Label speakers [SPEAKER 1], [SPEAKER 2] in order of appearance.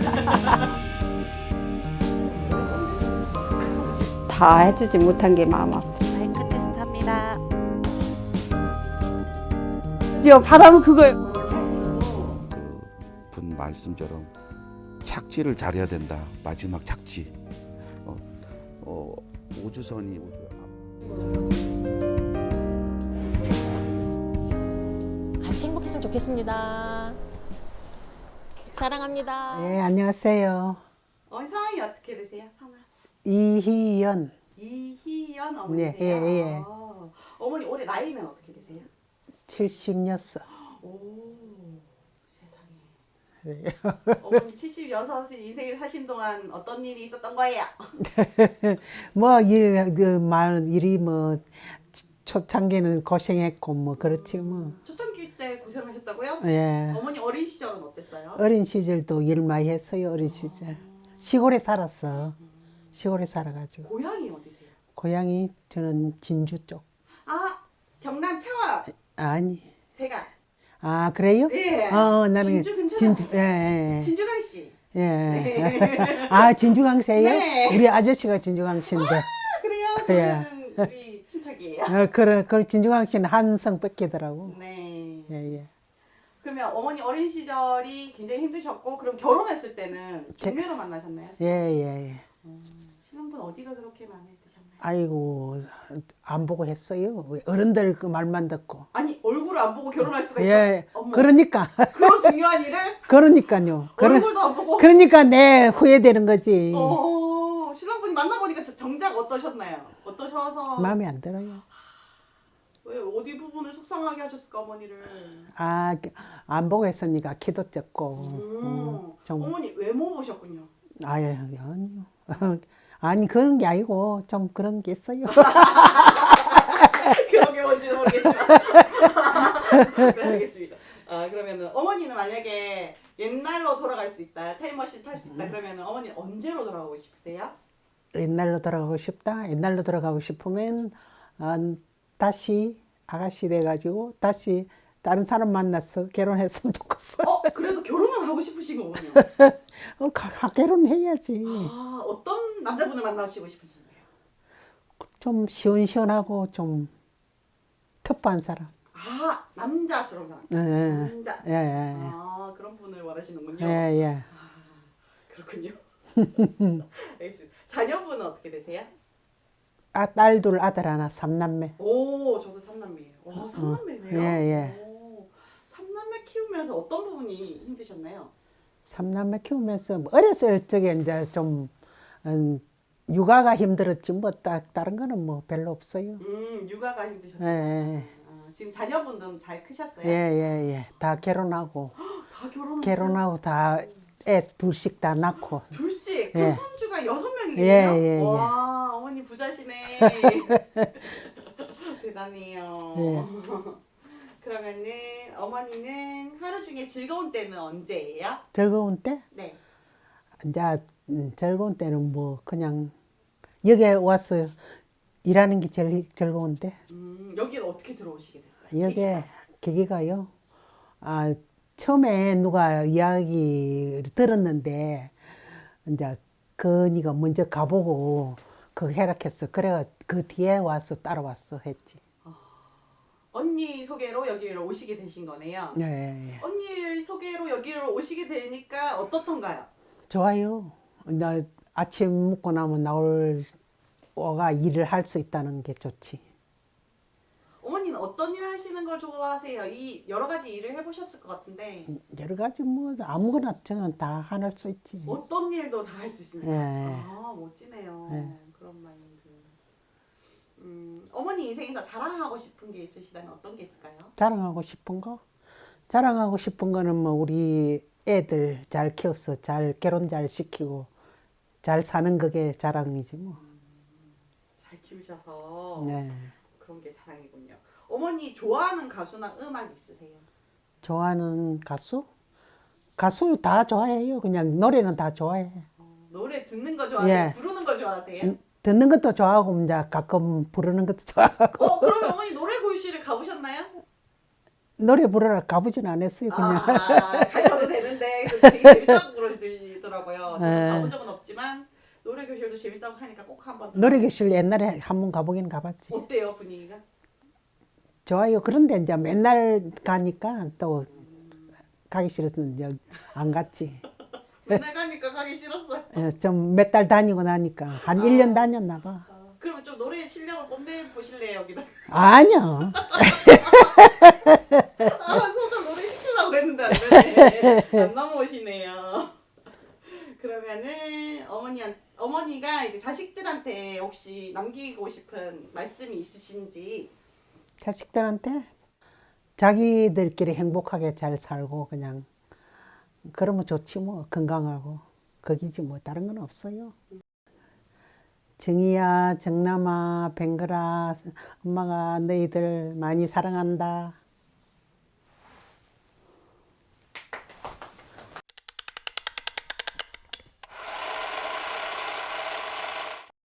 [SPEAKER 1] 다 해주지 못한 게 마음 아프죠.
[SPEAKER 2] 마이크 테스트합니다.
[SPEAKER 1] 저 바람은 그거예요.
[SPEAKER 3] 분 말씀처럼 착지를 잘해야 된다. 마지막 착지. 우주선이
[SPEAKER 4] 같이 행복했으면 좋겠습니다. 사랑합니다.
[SPEAKER 5] 네, 안녕하세요.
[SPEAKER 2] 성함이 어떻게 되세요? 성함.
[SPEAKER 5] 이희연.
[SPEAKER 2] 이희연 어머니세요?
[SPEAKER 5] 네, 예.
[SPEAKER 2] 어머니 올해 나이는 어떻게 되세요?
[SPEAKER 5] 76.
[SPEAKER 2] 오, 세상에. 어머니 76세 인생을 사신 동안 어떤 일이 있었던 거예요?
[SPEAKER 5] 뭐, 일이 뭐, 초창기는 고생했고, 뭐, 그렇지, 뭐.
[SPEAKER 2] 초창기 때 고생하셨다고요?
[SPEAKER 5] 예.
[SPEAKER 2] 어머니 어린 시절은 어땠어요?
[SPEAKER 5] 어린 시절도 일 많이 했어요, 어린 시절. 시골에 살았어. 시골에 살아가지고.
[SPEAKER 2] 고향이 어디세요?
[SPEAKER 5] 고향이 저는 진주 쪽.
[SPEAKER 2] 아, 경남 창원.
[SPEAKER 5] 아니.
[SPEAKER 2] 제가
[SPEAKER 5] 아, 그래요?
[SPEAKER 2] 예.
[SPEAKER 5] 나는
[SPEAKER 2] 진주 근처잖아요.
[SPEAKER 5] 예.
[SPEAKER 2] 진주강 씨.
[SPEAKER 5] 예.
[SPEAKER 2] 네.
[SPEAKER 5] 아, 진주강세요?
[SPEAKER 2] 네.
[SPEAKER 5] 우리 아저씨가 진주강씨인데.
[SPEAKER 2] 그래요?
[SPEAKER 5] 예.
[SPEAKER 2] 그러면 우리 친척이에요.
[SPEAKER 5] 그 진주강씨는 한성 뺏기더라고.
[SPEAKER 2] 네.
[SPEAKER 5] 예.
[SPEAKER 2] 그러면 어머니 어린 시절이 굉장히 힘드셨고 그럼 결혼했을 때는 중매로 만나셨나요?
[SPEAKER 5] 예.
[SPEAKER 2] 신랑분 어디가 그렇게 마음에 드셨나요?
[SPEAKER 5] 아이고, 안 보고 했어요. 어른들 그 말만 듣고.
[SPEAKER 2] 아니 얼굴을 안 보고 결혼할 수가
[SPEAKER 5] 예.
[SPEAKER 2] 있다. 어머,
[SPEAKER 5] 그러니까.
[SPEAKER 2] 그런 중요한 일을
[SPEAKER 5] 그러니까요.
[SPEAKER 2] 얼굴도 안 보고.
[SPEAKER 5] 그러니까 내 후회되는 거지.
[SPEAKER 2] 신랑분이 만나보니까 정작 어떠셨나요? 어떠셔서
[SPEAKER 5] 마음에 안 들어요.
[SPEAKER 2] 왜 어디 부분을 속상하게 하셨을까 어머니를?
[SPEAKER 5] 아, 안 보고 했으니까 키도 작고. 좀,
[SPEAKER 2] 어머니 외모 보셨군요.
[SPEAKER 5] 아니요. 아니, 그런 게 아니고, 좀 그런 게 있어요.
[SPEAKER 2] 그런 게 뭔지는 모르겠지만. 네, 알겠습니다. 그러면은 어머니는 만약에 옛날로 돌아갈 수 있다, 타임머신 탈 수 있다, 그러면은 어머니 언제로 돌아가고 싶으세요?
[SPEAKER 5] 옛날로 돌아가고 싶다. 옛날로 돌아가고 싶으면, 다시 아가씨 돼가지고, 다시 다른 사람 만나서 결혼했으면 좋겠어.
[SPEAKER 2] 그래도 결혼은 하고 싶으신 거군요.
[SPEAKER 5] 결혼해야지.
[SPEAKER 2] 어떤 남자분을 만나시고 싶으신가요?
[SPEAKER 5] 좀 시원시원하고 좀 터프한 사람.
[SPEAKER 2] 남자스러운 사람. 남자.
[SPEAKER 5] 예.
[SPEAKER 2] 그런 분을 원하시는군요.
[SPEAKER 5] 예.
[SPEAKER 2] 그렇군요. 알겠습니다. 자녀분은 어떻게 되세요?
[SPEAKER 5] 딸 둘, 아들 하나, 3남매.
[SPEAKER 2] 오, 저도 삼남매예요. 와, 삼남매네요.
[SPEAKER 5] 예.
[SPEAKER 2] 오, 삼남매 키우면서 어떤 부분이 힘드셨나요?
[SPEAKER 5] 3남매 키우면서 뭐 어렸을 적에 이제 좀 육아가 힘들었지 뭐 다른 거는 뭐 별로 없어요.
[SPEAKER 2] 육아가 힘드셨나요?
[SPEAKER 5] 예.
[SPEAKER 2] 지금 자녀분들은 잘 크셨어요?
[SPEAKER 5] 예. 다 결혼하고
[SPEAKER 2] 다 결혼했어요?
[SPEAKER 5] 결혼하고 다 애 둘씩 다 낳고.
[SPEAKER 2] 둘씩? 그럼
[SPEAKER 5] 예.
[SPEAKER 2] 손주가 6명이네요?
[SPEAKER 5] 예.
[SPEAKER 2] 와, 어머니 부자시네. 대단해요.
[SPEAKER 5] 예.
[SPEAKER 2] 그러면은 어머니는 하루 중에 즐거운 때는 언제예요?
[SPEAKER 5] 즐거운 때?
[SPEAKER 2] 네.
[SPEAKER 5] 이제 즐거운 때는 뭐 그냥 여기에 와서 일하는 게 제일 즐거운데.
[SPEAKER 2] 여기는 어떻게 들어오시게 됐어요?
[SPEAKER 5] 여기에 계기가요. 처음에 누가 이야기 들었는데 이제 그니가 먼저 가보고 그 해락했어. 그래가 그 뒤에 와서 따라왔어 했지.
[SPEAKER 2] 언니 소개로 여기를 오시게 되신 거네요.
[SPEAKER 5] 예.
[SPEAKER 2] 언니 소개로 여기를 오시게 되니까 어떻던가요?
[SPEAKER 5] 좋아요. 나 아침 먹고 나면 와가 일을 할 수 있다는 게 좋지.
[SPEAKER 2] 어머니는 어떤 일 하시는 걸 좋아하세요? 이 여러 가지 일을 해보셨을 것 같은데
[SPEAKER 5] 여러 가지 뭐 아무거나 저는 다 할 수 있지.
[SPEAKER 2] 어떤 일도 다 할 수 있습니다.
[SPEAKER 5] 예.
[SPEAKER 2] 멋지네요.
[SPEAKER 5] 예.
[SPEAKER 2] 그런 마인드. 어머니 인생에서 자랑하고 싶은 게 있으시다면 어떤 게 있을까요?
[SPEAKER 5] 자랑하고 싶은 거? 자랑하고 싶은 거는 뭐 우리 애들 잘 키워서 잘 결혼 잘 시키고 잘 사는 그게 자랑이지 뭐.
[SPEAKER 2] 잘 키우셔서
[SPEAKER 5] 네.
[SPEAKER 2] 그런 게 자랑이군요. 어머니 좋아하는 가수나 음악 있으세요?
[SPEAKER 5] 좋아하는 가수? 가수 다 좋아해요. 그냥 노래는 다 좋아해.
[SPEAKER 2] 노래 듣는 거 좋아하세요?
[SPEAKER 5] 예.
[SPEAKER 2] 부르는 거 좋아하세요?
[SPEAKER 5] 듣는 것도 좋아하고 이제 가끔 부르는 것도 좋아하고.
[SPEAKER 2] 그러면 어머니 노래 고시를 가보셨나요?
[SPEAKER 5] 노래 부르러 가보진 않았어요. 그냥.
[SPEAKER 2] 가셔도 되는데 되게 재밌다고 그러시더라고요. 하더라고요. 저도
[SPEAKER 5] 네.
[SPEAKER 2] 가본 적은 없지만 노래 교실도 재밌다고 하니까 꼭 한번.
[SPEAKER 5] 노래교실 옛날에 한 번 가보긴 가봤지.
[SPEAKER 2] 어때요 분위기가?
[SPEAKER 5] 좋아요. 그런데 이제 맨날 가니까 또 가기 싫어서 이제 안 갔지.
[SPEAKER 2] 맨날 가니까 가기 싫었어요.
[SPEAKER 5] 좀 몇 달 다니고 나니까 한 1년 다녔나 봐.
[SPEAKER 2] 그러면 좀 노래 실력을 뽐내 보실래요 여기다?
[SPEAKER 5] 아니요.
[SPEAKER 2] 소절 노래 시키려고 했는데 안 되네. 안 넘어오시네요. 그러면은 어머니가 이제 자식들한테 혹시 남기고 싶은 말씀이 있으신지.
[SPEAKER 5] 자식들한테 자기들끼리 행복하게 잘 살고 그냥 그러면 좋지 뭐. 건강하고 거기지 뭐. 다른 건 없어요. 정이야, 정남아, 뱅글아, 엄마가 너희들 많이 사랑한다.